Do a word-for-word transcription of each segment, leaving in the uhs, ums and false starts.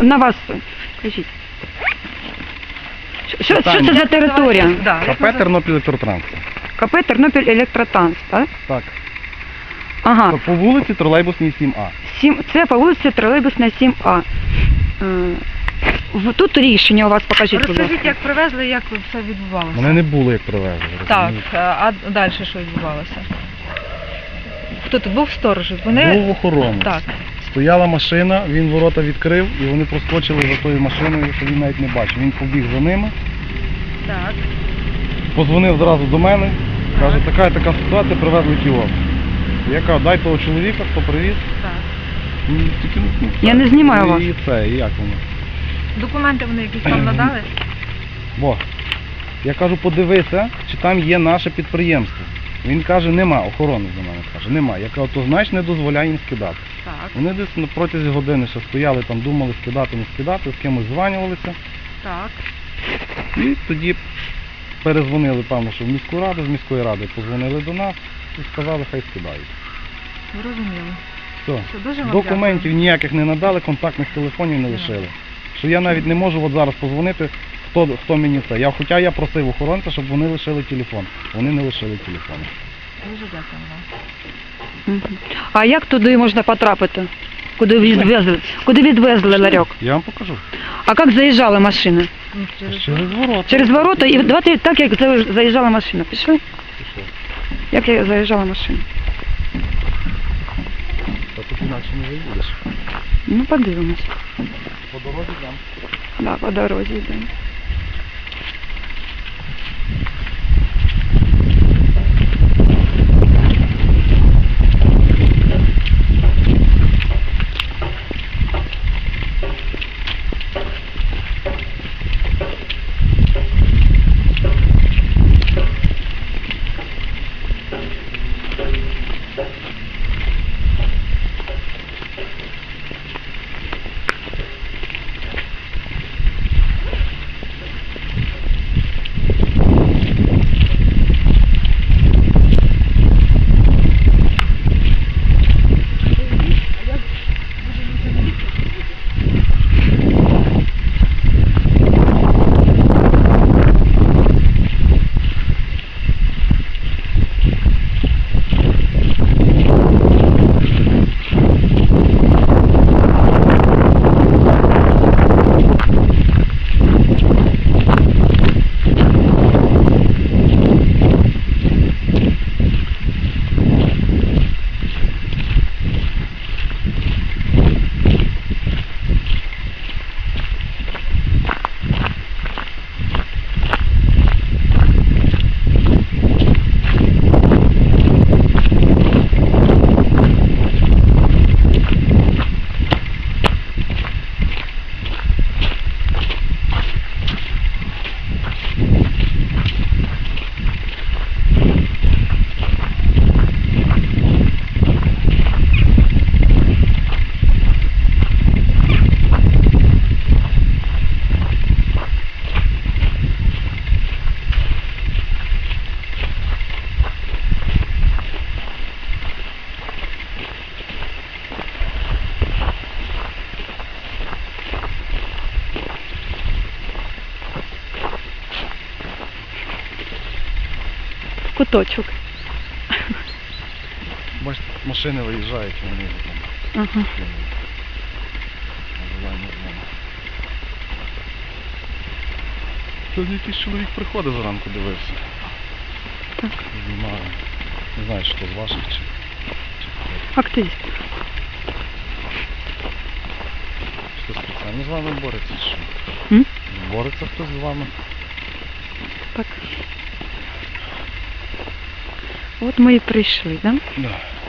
на вас, кажіть. Що, що це за територія? КП Тернопіль Електротранс. КП Тернопіль Електротранс, так? Так. Ага. По вулиці Тролейбусній сім А. Сім, це по вулиці Тролейбусна сім А. Е, в- Тут рішення у вас, покажіть, будь Розкажіть, ласка. як привезли, як все відбувалося. Мене не було, як привезли. Так, розумієте? а далі що відбувалося? Хто тут був сторож? Вони... Був охоронець. Так. Стояла машина, він ворота відкрив і вони проскочили за тою машиною, що він навіть не бачив. Він побіг за ними, Так. позвонив зразу до мене, каже, така і така ситуація, привезли кіоск. Я кажу, дай того чоловіка, хто привіз. Так. Ну, тільки, ну, Я це. не знімаю вас. І це, і як воно. Документи вони якісь вам надали? Бо, я кажу, подивися, чи там є наше підприємство. Він каже, нема, охоронець до мене каже, нема. Я кажу, то значить не дозволяє їм скидати. Так. Вони десь на протязі години ще стояли, там думали скидати, не скидати, з кимось званювалися. Так. І тоді перезвонили, певно, що в міську раду, з міської ради позвонили до нас і сказали, хай скидають. Зрозуміло. Все. Все, дуже вам Документів дякую. ніяких не надали, контактних телефонів не лишили. Що я навіть не можу от зараз позвонити, хто, хто мені це. Я, хоча я просив охоронця, щоб вони лишили телефон. Вони не лишили телефон. Дуже дякую вам. Мгм. А як туди можна потрапити? Куди відвезли? Куди відвезли ларьок? Я вам покажу. А як заїжджала машина? Ну, через... Через ворота. Через ворота і давайте так, як за- заїжджала машина. Пішли? Пішов. Як я заїжджала машина? Та тут інакше не виїдеш. Ну, подивимось. По дорозі там. Да, по дорозі йдемо. Куточок. Бачите, машини виїжджають, вони там. Ага. Тут якийсь чоловік приходив зранку, дивився. Так. Знімаю. Не знаю, що з ваших чи. Активіст. Хтось спеціально з вами бореться, чи що? М? Бореться хтось з вами? Так. От ми і прийшли, да? Да.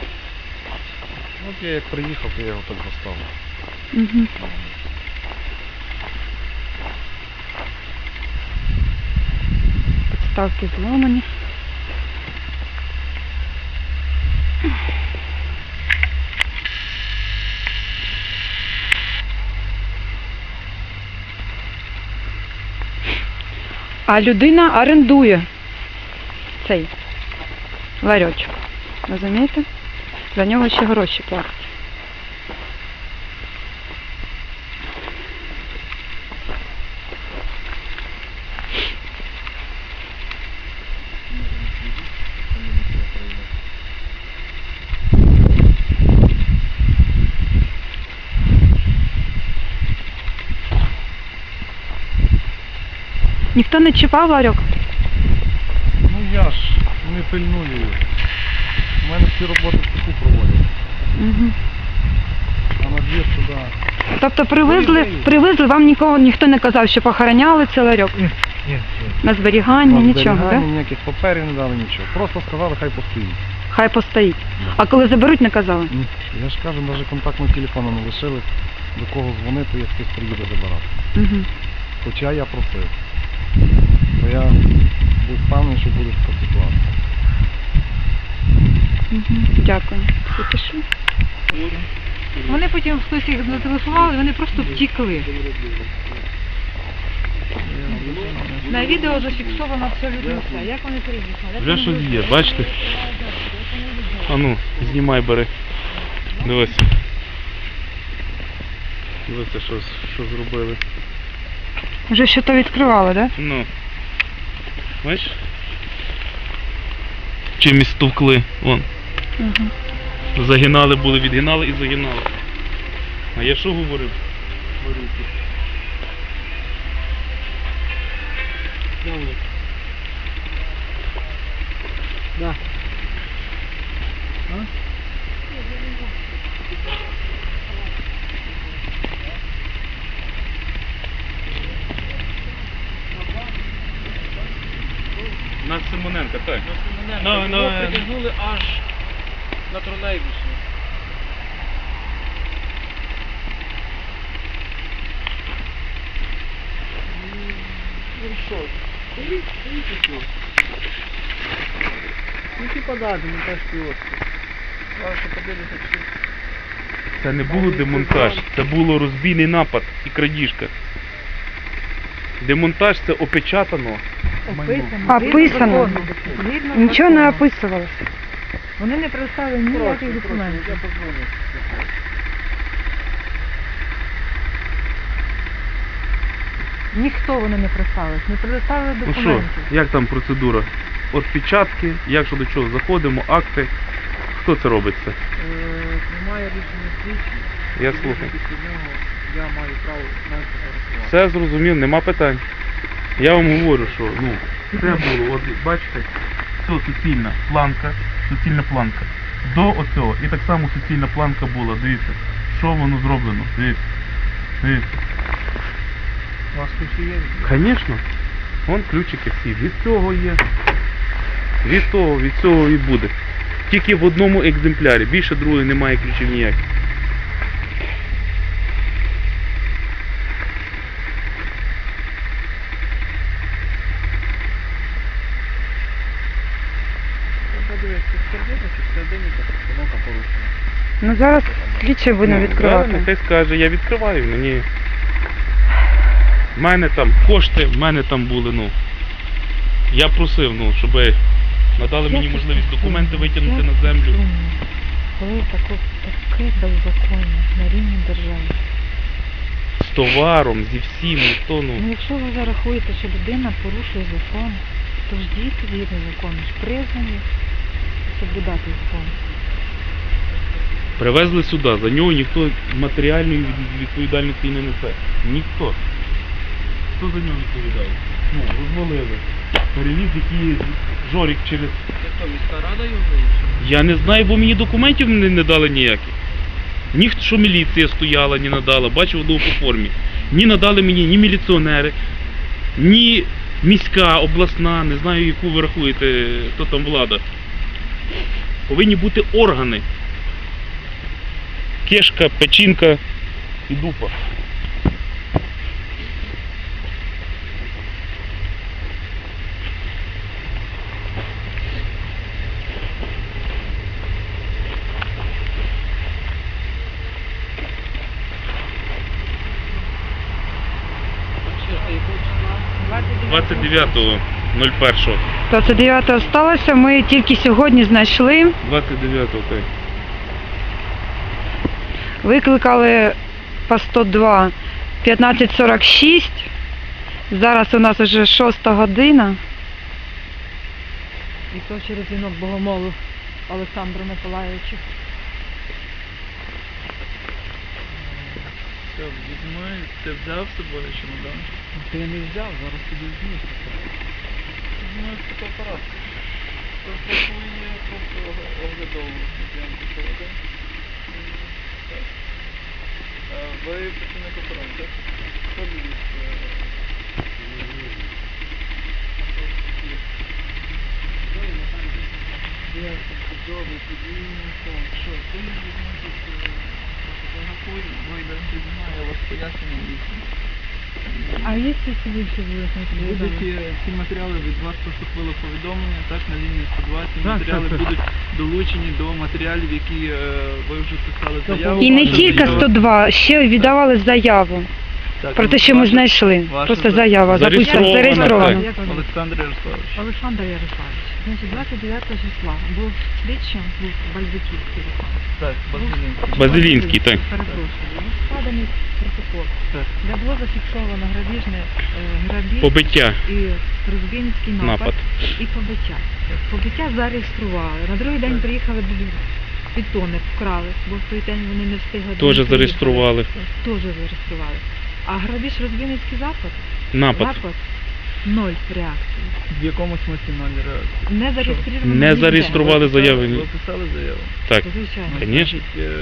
От я як приїхав, то я його так застав. Угу. Підставки зламані. А людина орендує цей ларьочок. Розумієте? За нього ще гроші платять. Ніхто не чіпав ларьок? Ну я ж не пильную їх. У мене всі роботи в цеху проводять. Угу. А на двір туди. Тобто привезли, привезли, вам нікого, ніхто не казав, що похороняли цей ларьок? Ні, ні. На зберігання, Там нічого, зберігання, так? ніяких паперів не дали, нічого. Просто сказали, хай постоїть. Хай постоїть. А коли заберуть, не казали? Ні. Я ж кажу, навіть контактного телефону не лишили, до кого дзвонити, як хтось приїде забирати. Угу. Хоча я просив. Бо я був впевнений, що буде така ситуація. Угу. Дякую. Всі пішли? Вони потім хтось їх зателефонували, вони просто втікли. На відео зафіксовано абсолютно все. Як вони приїхали? як Вже вони щось вийшли? є, бачите? А ну, знімай, бери. Дивись. Дивися, що, що зробили. Вже що то відкривали, так? Ну. Бачиш? Чимось стовкли. Вон. Угу. Загинали були, відгинали і загинали. А я що говорив? Да. На Симоненка, так. Ну, Ну, ну, його е, притягнули аж на тролейбусі. Ну що? Стоїть, стоїть і все. Ну типа да, демонтажський острів. Зараз що подивитися, чи... Це не було демонтаж, це було розбійний напад і крадіжка. Демонтаж це опечатано. Описано. Описано. згідно закону. Згідно Нічого не закону. описувалося. Вони не представили ніяких документів. Я позвоню. Ніхто вони не представили, не предоставили Ну що, документів. як там процедура? Отпечатки, як що до чого заходимо, акти. Хто це робить це? Е, Немає рішення слідчі. Я слухаю. Після нього я маю право навіть фотографувати. Все зрозумів, нема питань. Я вам говорю, що ну, це було, от бачите, це суцільна планка, суцільна планка. До оцього. І так само суцільна планка була, дивіться, що воно зроблено, дивіться. Дивіться. У вас ключі є? Звісно, вон ключики всі. Від цього є. Від того, від цього і буде. Тільки в одному екземплярі, більше другої немає ключів ніяких. Подивіться, сердито чи всередині та постановка порушена. Ну зараз слідчий буде Ну, відкривати. зараз нехай скаже, я відкриваю, мені. В мене там кошти, в мене там були, ну. Я просив, ну, щоб надали мені можливість документи витягнути на землю. Коли таке, таке беззаконня на рівні держави. З товаром, зі всім, ніхто, Ну, ну. якщо ви зарахуєте, що людина порушує закон, то ж дійте згідно закону, ж призвані соблюдати закон. Привезли сюди, за нього ніхто матеріальної від- відповідальності не несе. Ніхто. Хто за нього відповідає? Ну, розвалили. Перевіз який жорік через... Це що, міська рада його вирішила? Я не знаю, бо мені документів не, не дали ніяких. Ні, що міліція стояла, не надала, бачив одного по формі. Ні надали мені ні міліціонери, ні міська, обласна, не знаю, яку ви рахуєте, хто там влада. Повинні бути органи. Кишка, печінка і дупа. Ще, а якого числа? двадцять дев'ятого першого. двадцять дев'ятого сталося, ми тільки сьогодні знайшли. двадцять дев'ятого, так. Викликали по сто два п'ятнадцять сорок шість. Зараз у нас вже шоста година. І то через дзвінок Богомолу Олександру Миколаївичу. Все, візьми, ти взяв з собою чемодан? Ти не взяв, зараз тобі візьму. Візьми фотоапарат. Фотографує просто оглядову зйомку проведе. Так. А ви працівник охорони, так? Хто дивіться? Я чудовий, подвійний фон. Що, ти не візьмеш, фотографуй, вийде, знімає, я вас пояснюю дійсно. А є ці більше Будуть е, ці матеріали від вас поступило повідомлення, так, на лінії сто два. Ці матеріали будуть долучені до матеріалів, які е, ви вже писали заяву. І не Ваша тільки заява- сто два, ще віддавали заяву. Так, Про те, ну, що ми ваша- знайшли. ваша Просто за- заява записана, Зареєстрована, зареєстрована. так. Олександр Ярославович. Олександр Ярославович, значить, двадцять дев'ятого числа був слідчим, був Бальзаківський телефон. Так, Базилінський. Базилінський, так. Перепрошую. Був складений протокол, Так. де було зафіксовано грабіжне, е, грабіж Побиття. і розбійницький напад, Напад. і побиття. Побиття зареєстрували. На другий день приїхали бетони, вкрали, бо в той день вони не встигли. Теж приїхати. зареєстрували. Теж зареєстрували. А грабіж розбійницький запад? Напад. Запад ноль реакції. В якому смислі ноль реакції? Не зареєстровано. Не ніде. зареєстрували заяви. Ви писали заяву? Так. Звичайно. Ну, Конечно. значить, е,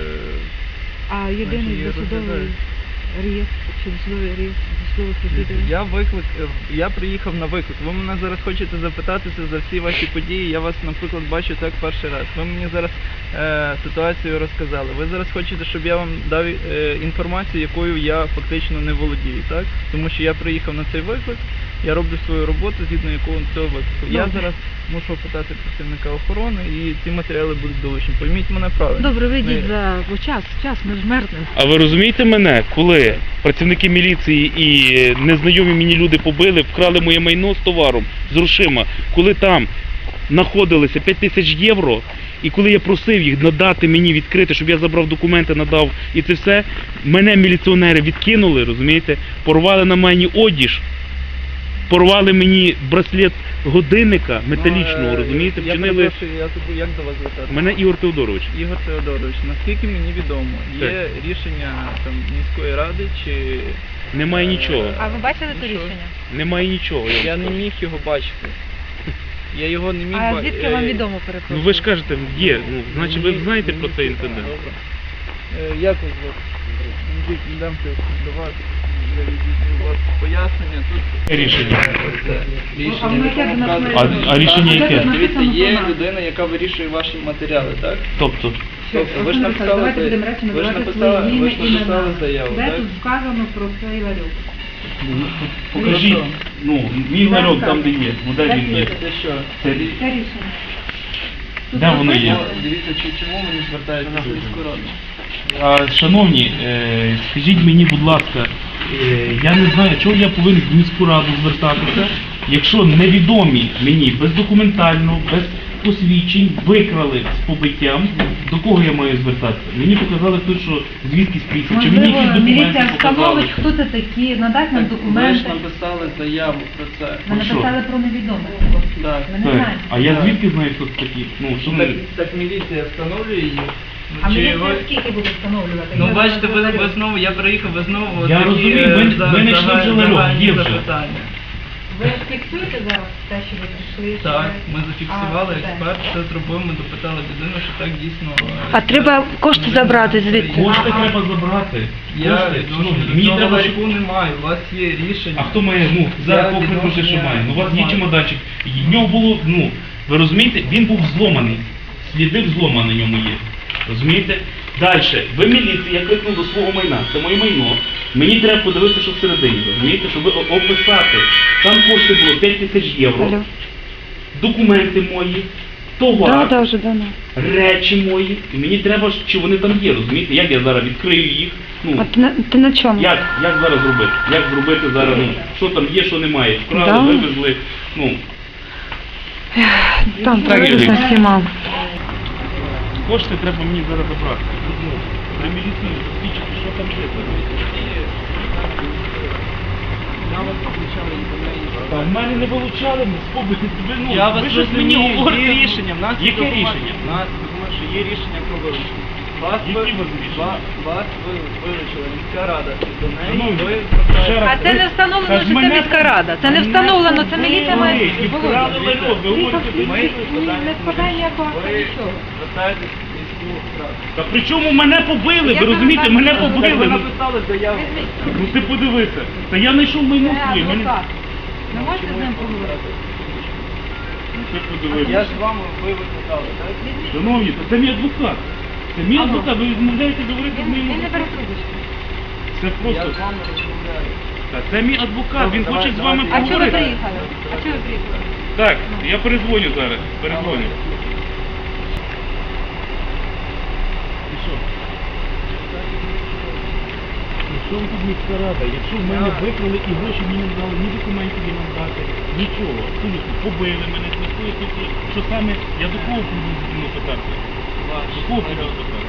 А єдиний Значить, її досудовий розглядають. реєстр, чи досудовий реєстр, досудових розслідувань. Я виклик, е, я приїхав на виклик. Ви мене зараз хочете запитатися за всі ваші події. Я вас, наприклад, бачу так перший раз. Ви мені зараз е, ситуацію розказали. Ви зараз хочете, щоб я вам дав е, інформацію, якою я фактично не володію, так? Тому що я приїхав на цей виклик, я роблю свою роботу згідно якого цього виклику. Я Добре. зараз мушу питати працівника охорони, і ці матеріали будуть долучені. Пойміть мене правильно. Добре, вийдіть Ми- за бо час, час, ми ж мерзнемо. А ви розумієте мене, коли працівники міліції і незнайомі мені люди побили, вкрали моє майно з товаром, з грошима, коли там знаходилися п'ять тисяч євро, і коли я просив їх надати мені відкрити, щоб я забрав документи, надав, і це все, мене міліціонери відкинули, розумієте, порвали на мені одіж, порвали мені браслет годинника металічного, Ну, е, розумієте, Я вчинили перепрошую, я забув, як до вас звертатися? мене Ігор Теодорович. Ігор Теодорович, наскільки мені відомо, є рішення там міської ради чи Немає нічого, А ви бачили Ну, це що? рішення? немає нічого. я вам я не скажу. міг його бачити. Я його не міг А бачити. звідки вам відомо, перепрошую? Ну ви ж кажете, є, ну, значить ви знаєте про цей інцидент. Добре. Е, Як вас звати? Андрій, йдемте до вас. Я відійду у вас пояснення. Тут Рішення. Це рішення. яке до нас показує- має А- а рішення Так, яке? Дивіться, є людина, яка вирішує ваші матеріали, так? Тобто, Тобто ви ж написали, Давайте будемо речі ви ж називати написали, свої ви ж ім'я, написали імена. заяву, Де так? тут вказано про цей ларьок? покажіть, ну, мій ларьок там, де є, ну де він є. Це що? Це, Це рішення. де воно є? Ну, Дивіться, чи- чому ви не звертаєтеся в міську раду? А, шановні, е, скажіть мені, будь ласка, е, я не знаю, чого я повинен в міську раду звертатися, якщо невідомі мені бездокументально, без посвідчень викрали з побиттям, до кого я маю звертатися? Мені показали тут, що звідки приїхав, чи мені якісь Можливо, документи міліція показали. встановить, хто це такі, надасть нам Ви ж документи. написали заяву про це. Ми Про що? написали про невідомих. Так. Ми не Так, знаємо. а я звідки знаю, хто це такі? Ну, що Так, ми... так міліція встановлює її. Ну, А чи міліція ви- скільки буде встановлювати? Ну Я бачите, ви, говорю. ви знову, я приїхав, ви знову Я такі, розумію, е, ви- за- ви не йшли загальні- вже ларьок, загальні є вже. запитання. Ви фіксуєте зараз те, що ви прийшли? що Так, ви- ми зафіксували, А, де? експерт все зробив, ми допитали людину, що так дійсно... е, А треба кошти забрати звідти. Кошти треба забрати. Я Кошти, відносно шановні, до мені цього треба, щоб... ларьку не маю, у вас є рішення. А хто має, ну, Я зараз кого відносно припустить, що не- має? Ну, у вас є немає. чемоданчик. В нього було, ну, ви розумієте, він був зломаний. Сліди взлома на ньому є. Розумієте? Далі, ви міліція, я кликнув до свого майна, це моє майно. Мені треба подивитися, що всередині, розумієте, щоб о- описати. Там кошти було п'ять тисяч євро, Алло. документи мої, Да, товар, да, вже давно. речі мої. І мені треба, ж, чи вони там є, розумієте? Як я зараз відкрию їх? А Ну, ти на, ти на чому? як, як зараз зробити? Як зробити зараз, ну, що там є, що немає? Вкрали, Да. вивезли, ну. Там Так, приблизно Юрій. всіма. Кошти треба мені зараз забрати. Ну, при міліції свідчити, що там є. Та в мене не вилучали, ми спобити. Ви, ну, Я ви вас щось мені розумію, говорите. є рішення, в нас є Яке документ. рішення? В нас документ, що є рішення про вилучення. Вас, Які ви- ви рішення? ва- вас ви- вилучила міська рада, і до неї Шановні, ви ще звертаєтеся. раз. А це не встановлено, Та ж що це мене міська рада. Це не мене встановлено, це побили, міліція має. і вкрали ларьок. Ви говорите, Ми Не складає ніякого акта, ви нічого. звертаєтесь в міську раду. Та при чому мене побили? Я Ви розумієте, вам мене кажу, Так ви побили. Ну, написали заяву. Ну ти подивися. Та я знайшов майно Це своє. Мене... адвокат. Ви можете з ним поговорити? Ну, ти Я подивися. ж вам ви викликали, так? Шановні, то це мій адвокат. Це мій адвокат. Ви відмовляєте говорити з Він, моїм він не бере адвокатом. трубочку. Це Я просто... з вами розмовляю. Та це мій адвокат, він Добре, хоче з вами давайте. А чого ви поговорити. приїхали? А чого ви приїхали? Так, я перезвоню зараз. Перезвоню. І що? Ну, що ви тут міська рада? Якщо в мене викрали і гроші мені не дали, ні документів їм не дати, нічого, абсолютно, побили мене, ніхто, ніхто, що саме, я до кого буду ну, питатися? До кого буду питатися?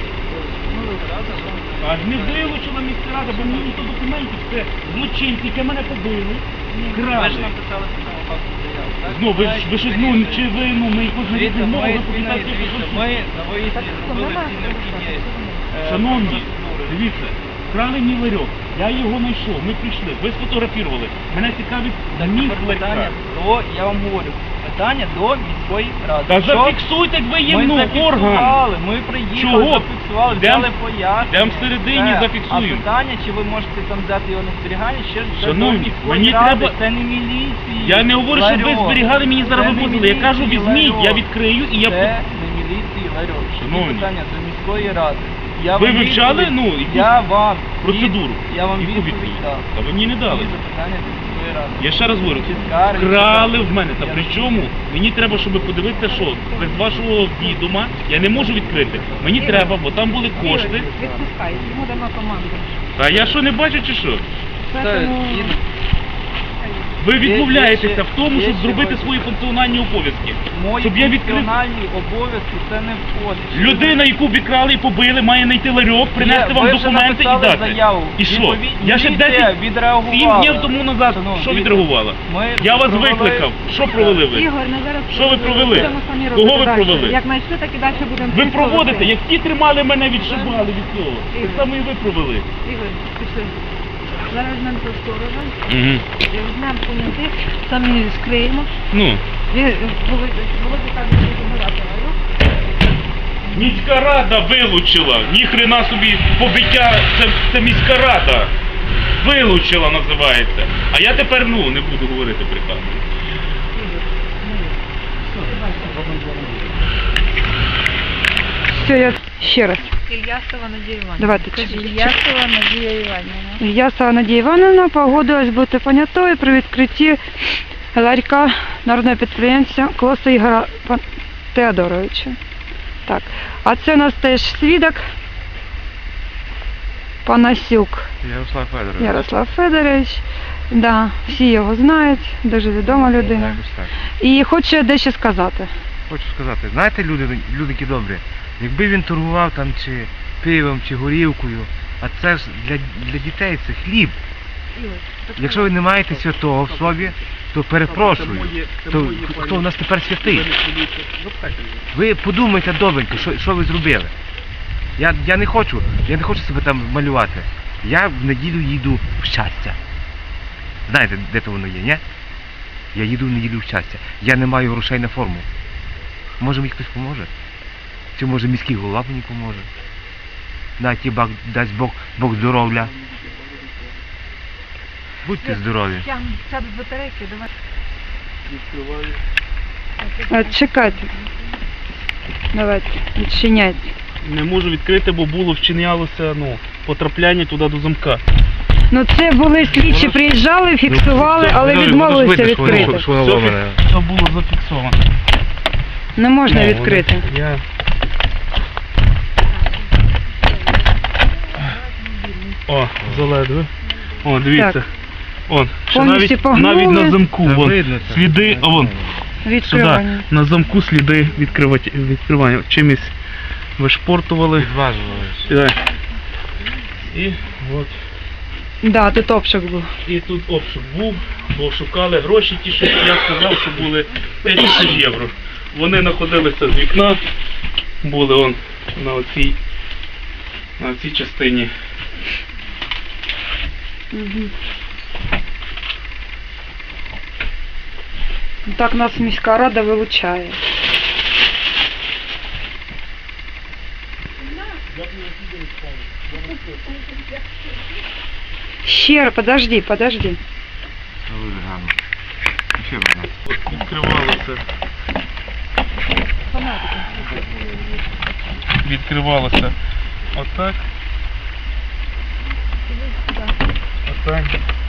А не вилучила міська рада, бо мені ніхто документів, це злочинці, які мене побили, Ви ж крали. написали по цьому факту заяву, так? Ну, ви ж, ви ж, ну, чи ви, ну, ми якось не Дивіться, відмовили, ми ви спільно, попитайте, дивіться, що- ми на виїзді Так, зробили нема всі необхідні е, Шановні, процедури. дивіться, вкрали мій ларьок, я його знайшов, ми прийшли, ви сфотографували. Мене цікавить Так, мій тепер питання ларька. до, я вам говорю, питання до міської ради. Та Що? зафіксуйте, як ви є, Ми ну, орган. зафіксували, ми приїхали, Чого? зафіксували, Йдем- взяли пояснення. йдем всередині, Все. зафіксуємо. А питання, чи ви можете там взяти його на зберігання, ще це Шановні, до міської мені ради, треба- це не міліції. Я не говорю, щоб ви ларьок. зберігали, мені зараз Це не вивозили. Я кажу, міліції, візьміть, я ларьок. відкрию і я... Це по- не міліції ларьок. Це Шановні. питання до міської ради. Я Ви вам вивчали, відповідь- ну, якусь я вам процедуру? від- Я вам Яку відповідь відповідь? дав. Та ви мені не дали. Всі запитання до міської ради. Я ще раз говорю, Чи скарги, вкрали чи- в мене. Та Я- при чому? Мені треба, щоб подивитися, що без вашого відома я не можу відкрити. Мені треба, бо там були кошти. Відпускай, йому дамо команду. А я що, не бачу чи що? Це, Поэтому... і- Ви Є- є відмовляєтеся ще- в тому, є щоб ще зробити ось- свої функціональні обов'язки. Мої Щоб я відкрив. функціональні обов'язки це не входить. Людина, яку обікрали і побили, має знайти ларьок, принести Є, вам ви вже документи і написали дати. заяву. І що? Відповідь- Я ще міліція десять відреагувала. сім днів тому назад Шановні, що дивіться, відреагувала? ми Я вас провели- викликав. Що провели ви? Ігор, ну зараз Що ви провели? будемо самі Кого робити ви далі. провели? Як знайшли, так і далі будемо. Ви слідкувати. проводите, як ті тримали мене, відшибали від цього. Так само і ви провели. Ігор, пішли. Зараз візьмемо до сторожа, Угу. візьмемо понятих, самі скриємо. Ну. Він- Володя Володя каже, що забирати ларьок. Міська рада вилучила. Ніхрена собі побиття, це, це міська рада. Вилучила називається. А я тепер ну не буду говорити при камері. Все, я ще раз. Ільясова Надія Іванівна. Давайте. Ільясова Надія Іванівна. Ільясова Надія Івановна погодилась бути понятою при відкритті ларька народного підприємця Клоса Ігора Пан- Теодоровича. Так. А це у нас теж свідок Панасюк Ярослав Федорович. Ярослав Федорович. Да, всі його знають, дуже відома людина. Якось так. І хоче дещо сказати. Хочу сказати, знаєте, люди, люди які добрі, якби він торгував там чи пивом, чи горілкою, а це ж для, для дітей це хліб. Якщо ви не маєте святого в собі, то перепрошую, то хто в нас тепер святий? Ви подумайте добренько, що, що ви зробили. Я, я не хочу, я не хочу себе там малювати. Я в неділю їду в щастя. Знаєте, де то воно є, ні? Я їду в неділю в щастя. Я не маю грошей на форму. Може мені хтось поможе? Чи може міський голова мені поможе? Дай ті Бог, дасть Бог, Бог здоров'я. Будьте здорові. Сяду з батарейки, давай. Відкриваю. А, чекайте. Давайте, відчиняйте. Не можу відкрити, бо було вчинялося ну, потрапляння туди до замка. Ну це були слідчі, приїжджали, фіксували, але відмовилися відкрити. Все, фі- все було зафіксовано. Не можна Ну, відкрити. вони- Я... О, заледве. О, дивіться. Так. Он, ще Повністю навіть, погнули. навіть на замку, Та вон, видно це. сліди, а вон, сюди, Відкривання. на замку сліди відкривати, відкривання. Чимось вишпортували. Відважувались. Сюди. І от. Да, тут обшук був. І тут обшук був, бо шукали гроші, ті, що я сказав, що були п'ять тисяч євро. Вони знаходилися з вікна, були он на оцій на цій частині. Угу. Так нас міська рада вилучає. Ще, подожди, подожди. Дуже гарно. Ще гарно. От відкривалося. Відкривалося отак. Отак.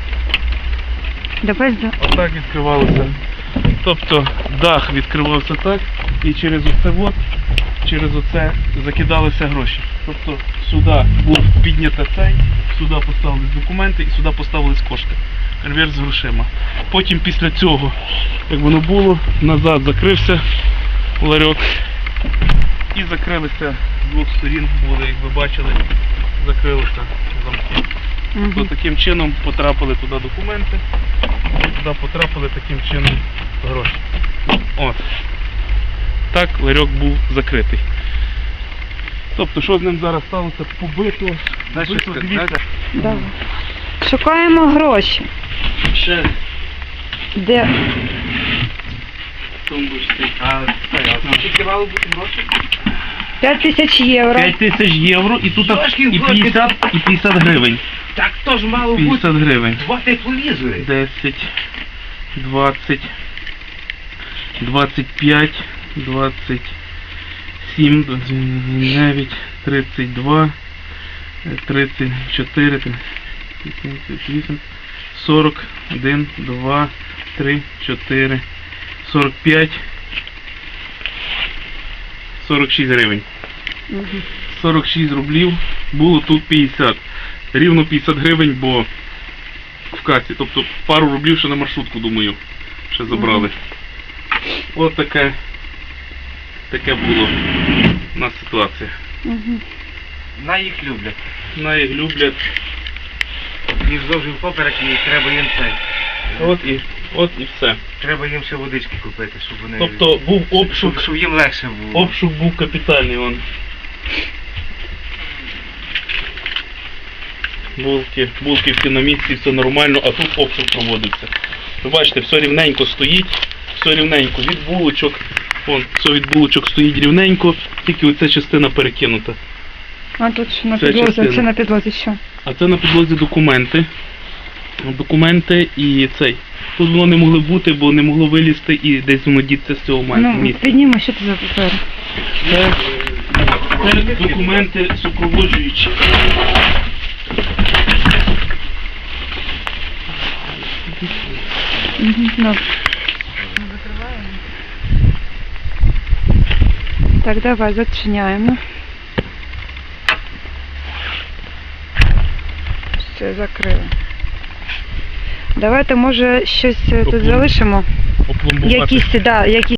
Давай за... Отак відкривалося. Тобто дах відкривався так, і через оце от, через оце закидалися гроші. Тобто сюди був піднято цей, сюди поставились документи і сюди поставились кошти. Конверт з грошима. Потім після цього, як воно було, назад закрився ларьок і закрилися з двох сторін, були, як ви бачили, закрилися замки. Угу. То таким чином потрапили туди документи, туди потрапили таким чином гроші. От. Так ларьок був закритий. Тобто, що з ним зараз сталося? Побито, Знаєш, побито, що дивіться. сказати? Давай. Шукаємо гроші. Ще Де? тумбочці. А це, а скільки мало бути грошей? п'ять тисяч євро. п'ять тисяч євро і тут Трошки і входить. п'ятдесят, і п'ятдесят гривень. Так то ж мало бути п'ятдесят гривень. два тепловізори. десять, двадцять, двадцять п'ять, двадцять сім, двадцять дев'ять, тридцять два, тридцять чотири, тридцять вісім, сорок один, два, три, чотири, сорок п'ять, сорок шість гривень. Угу. сорок шість рублів, було тут п'ятдесят. Рівно п'ятдесят гривень, бо в касі. Тобто пару рублів ще на маршрутку, думаю, ще забрали. От таке, таке було у нас ситуація. Угу. На їх люблять. На їх люблять. Їх зовсім поперек і треба їм це. От і, от і все. Треба їм ще водички купити, щоб вони... Тобто був щоб, обшук, щоб їм легше було. обшук був капітальний. Вон. Булки, булки всі на місці, все нормально, а тут обшук проводиться. Ви бачите, все рівненько стоїть, все рівненько. Від булочок, вон, все від булочок стоїть рівненько, тільки оця частина перекинута. А тут що на Це підлозі, частина. це на підлозі що? А це на підлозі документи. Документи і цей. Тут воно не могло бути, бо не могло вилізти і десь воно діться з цього ма- Ну, місця. підніми, що це за папери? Це, це документи супроводжуючі. Угу. Ну. Так, давай, зачиняємо. Все, закрили. Давайте, може, щось е, тут Оплом- залишимо? Опломбувати. Якісь, да, якісь